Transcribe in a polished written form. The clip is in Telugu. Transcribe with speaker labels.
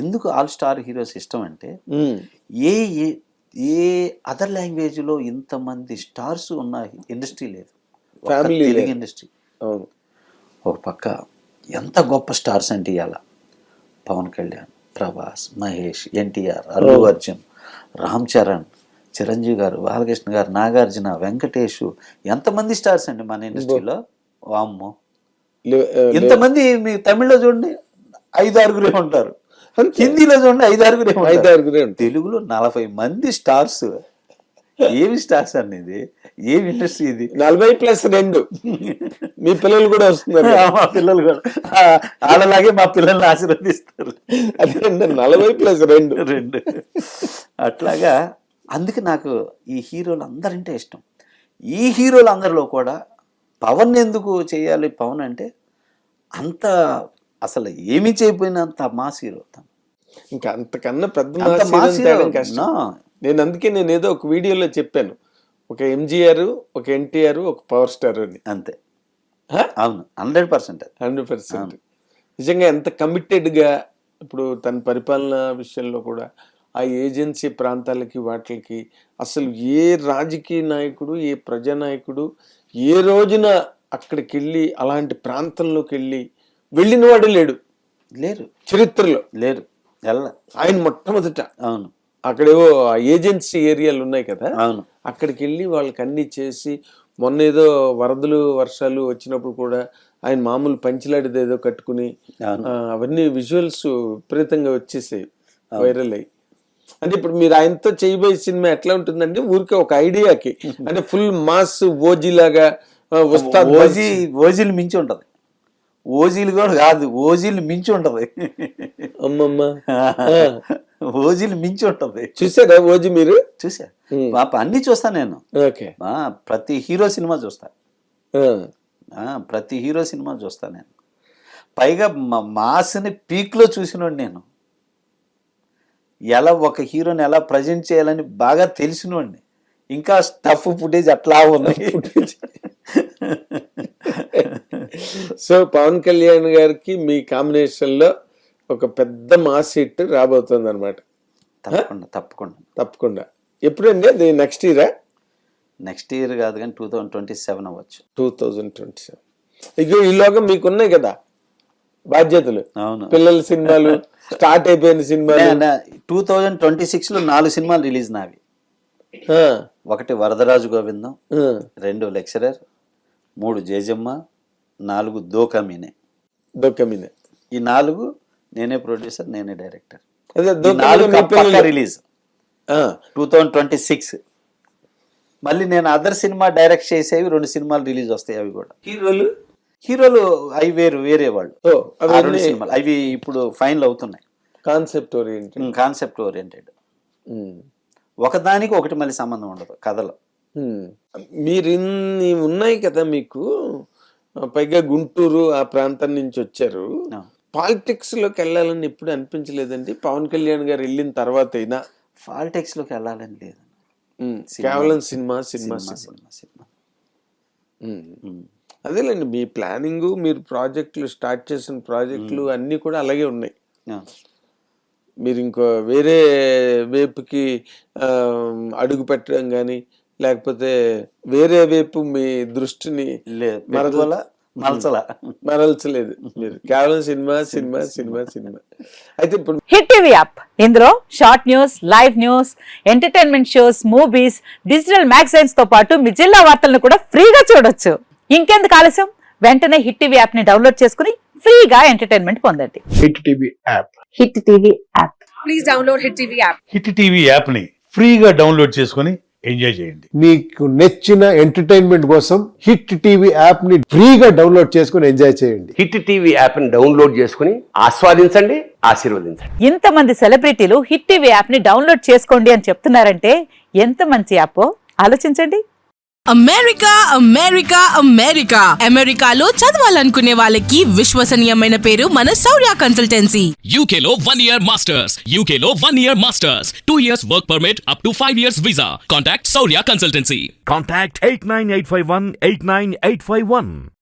Speaker 1: ఎందుకు ఆల్ స్టార్ హీరోస్ ఇష్టం అంటే ఏ ఏ ఏ అదర్ లాంగ్వేజ్లో ఇంతమంది స్టార్స్ ఉన్న ఇండస్ట్రీ లేదు, తెలుగు ఇండస్ట్రీ. ఒక పక్క ఎంత గొప్ప స్టార్స్ అంటే ఇవాళ పవన్ కళ్యాణ్, ప్రభాస్, మహేష్, ఎన్టీఆర్, అల్లు అర్జున్, రామ్ చరణ్, చిరంజీవి గారు, బాలకృష్ణ గారు, నాగార్జున, వెంకటేష్, ఎంతమంది స్టార్స్ అండి మన ఇండస్ట్రీలో. వామ్మో, ఇంతమంది మీ తమిళ్లో చూడండి 5-6 ఉంటారు, హిందీలో చూడండి 5-6, తెలుగులో 40 మంది స్టార్స్. ఏమి స్టార్స్ అనేది, ఏమి ఇండస్ట్రీ ఇది.
Speaker 2: 40+2 మీ పిల్లలు కూడా వస్తున్నారు.
Speaker 1: మా పిల్లలు కూడా వాళ్ళలాగే మా పిల్లల్ని ఆశీర్వదిస్తారు.
Speaker 2: అదే 40+2
Speaker 1: అట్లాగా. అందుకే నాకు ఈ హీరోలు అందరంటే ఇష్టం. ఈ హీరోలు అందరిలో కూడా పవన్ ఎందుకు చేయాలి, పవన్ అంటే అంత అసలు ఏమీ చేయకపోయినంత మాస్ హీరో.
Speaker 2: ఇంకా అంతకన్నా పెద్ద కష్టం. నేను ఏదో ఒక వీడియోలో చెప్పాను, ఒక ఎంజీఆర్, ఒక ఎన్టీఆర్, ఒక పవర్ స్టార్ అని.
Speaker 1: అంతే. అవును, 100%.
Speaker 2: నిజంగా ఎంత కమిటెడ్గా ఇప్పుడు తన పరిపాలన విషయంలో కూడా ఆ ఏజెన్సీ ప్రాంతాలకి వాటికి అసలు ఏ రాజకీయ నాయకుడు, ఏ ప్రజానాయకుడు ఏ రోజున అక్కడికి వెళ్ళి అలాంటి ప్రాంతంలోకి వెళ్ళిన వాడు లేరు చరిత్రలో లేరు. ఆయన మొట్టమొదట.
Speaker 1: అవును.
Speaker 2: అక్కడేవో ఏజెన్సీ ఏరియాలు ఉన్నాయి కదా,
Speaker 1: అవును,
Speaker 2: అక్కడికి వెళ్ళి వాళ్ళకి అన్ని చేసి, మొన్న ఏదో వరదలు వర్షాలు వచ్చినప్పుడు కూడా ఆయన మామూలు పంచిలాడిది ఏదో కట్టుకుని అవన్నీ విజువల్స్ విపరీతంగా వచ్చేసాయి, వైరల్ అయ్యి. అంటే ఇప్పుడు మీరు ఆయనతో చేయబోయే సినిమా ఎట్లా ఉంటుందంటే ఊరికే ఒక ఐడియాకి, అంటే ఫుల్ మాస్ ఓజీ లాగా
Speaker 1: ఓజీలు మించి ఉంటది. ఓజీలు కూడా కాదు, ఓజీలు మించి ఉంటది.
Speaker 2: అమ్మమ్మ,
Speaker 1: ఓజీలు మించి ఉంటది.
Speaker 2: చూసారా ఓజీ? మీరు
Speaker 1: చూసా, అన్ని చూస్తా నేను. ప్రతి హీరో సినిమా చూస్తా, ప్రతి హీరో సినిమా చూస్తా నేను. పైగా మాస్ని పీక్లో చూసినోడు నేను. ఎలా ఒక హీరోని ఎలా ప్రజెంట్ చేయాలని బాగా తెలిసినోడిని. ఇంకా స్టఫ్ ఫుటేజ్ అట్లా ఉంది.
Speaker 2: సో పవన్ కళ్యాణ్ గారికి మీ కాంబినేషన్ లో ఒక పెద్ద మాస్ హిట్ రాబోతుంది అనమాట. తప్పకుండా. ఎప్పుడండి అది? నెక్స్ట్ ఇయరా?
Speaker 1: నెక్స్ట్ ఇయర్ కాదు కానీ 2027 అవ్వచ్చు.
Speaker 2: 2027. ఇక ఈలోగా మీకున్నాయి కదా బాధ్యతలు.
Speaker 1: అవును,
Speaker 2: పిల్లల సినిమాలు స్టార్ట్ అయిపోయిన సినిమాలు.
Speaker 1: 2026లో 4 సినిమాలు రిలీజ్ నావి. 1 వరదరాజు గోవిందం, 2 లెక్చరర్, 3 జేజమ్మ, 4 దోకమీనే. ఈ 4 నేనే ప్రొడ్యూసర్, నేనే డైరెక్టర్. రిలీజ్ 2026. మళ్ళీ నేను అదర్ సినిమా డైరెక్ట్ చేసేవి 2 సినిమాలు రిలీజ్ వస్తాయి. అవి కూడా హీరోలు అవి వేరే వాళ్ళు. 2 సినిమాలు అవి ఇప్పుడు ఫైనల్ అవుతున్నాయి. Concept oriented. ఒకదానికి ఒకటి మళ్ళీ సంబంధం ఉండదు కథలో.
Speaker 2: మీరు ఇన్ని ఉన్నాయి కదా మీకు, పైగా గుంటూరు ఆ ప్రాంతం నుంచి వచ్చారు. పాలిటిక్స్ లోకి వెళ్ళాలని ఎప్పుడు అనిపించలేదండి? పవన్ కళ్యాణ్ గారు వెళ్ళిన తర్వాత అయినా
Speaker 1: పాలిటిక్స్ లోకి వెళ్ళాలని లేదు,
Speaker 2: కేవలం సినిమా. అదేలేండి, మీ ప్లానింగ్, మీరు ప్రాజెక్టులు స్టార్ట్ చేసిన ప్రాజెక్టులు అన్నీ కూడా అలాగే ఉన్నాయి. మీరు ఇంకో వేరే వైపుకి అడుగు పెట్టడం కానీ, లేకపోతే వేరే వైపు మీ దృష్టిని మరల్చలేదు. మీరు కేవలం సినిమా. అయితే ఇప్పుడు
Speaker 3: హిట్ టీవీ యాప్, ఇందులో short news, live news, entertainment shows, movies, digital magazines తో పాటు మీ జిల్లా వార్తలను కూడా ఫ్రీగా చూడొచ్చు. ఇంకెందుకు ఆలస్యం, వెంటనే హిట్ టీవీ యాప్ ని డౌన్లోడ్ చేసుకుని ఫ్రీగా ఎంటర్టైన్మెంట్ పొందండి.
Speaker 4: Hit TV app.
Speaker 3: Please download hit TV app.
Speaker 4: Hit TV app ని ఫ్రీగా డౌన్లోడ్ చేసుకుని ఎంజాయ్ చేయండి.
Speaker 5: మీకు నచ్చిన ఎంటర్టైన్మెంట్ కోసం హిట్ టీవీ యాప్ ని ఫ్రీగా డౌన్లోడ్ చేసుకుని ఎంజాయ్ చేయండి.
Speaker 6: హిట్ టీవీ యాప్ ని డౌన్లోడ్ చేసుకుని ఆస్వాదించండి, ఆశీర్వదించండి.
Speaker 3: ఇంతమంది సెలబ్రిటీలు హిట్ టీవీ యాప్ ని డౌన్లోడ్ చేసుకోండి అని చెప్తున్నారంటే ఎంత మంచి యాప్ ఆలోచించండి.
Speaker 7: అమెరికాలో చదవాలనుకునే వాళ్ళకి విశ్వసనీయమైన పేరు మన శౌర్య కన్సల్టెన్సీ.
Speaker 8: UK లో 1 year masters, UK లో 1 year masters, 2 years work permit up to 5 years visa. Contact Shaurya Consultancy.
Speaker 9: Contact 89851 89851.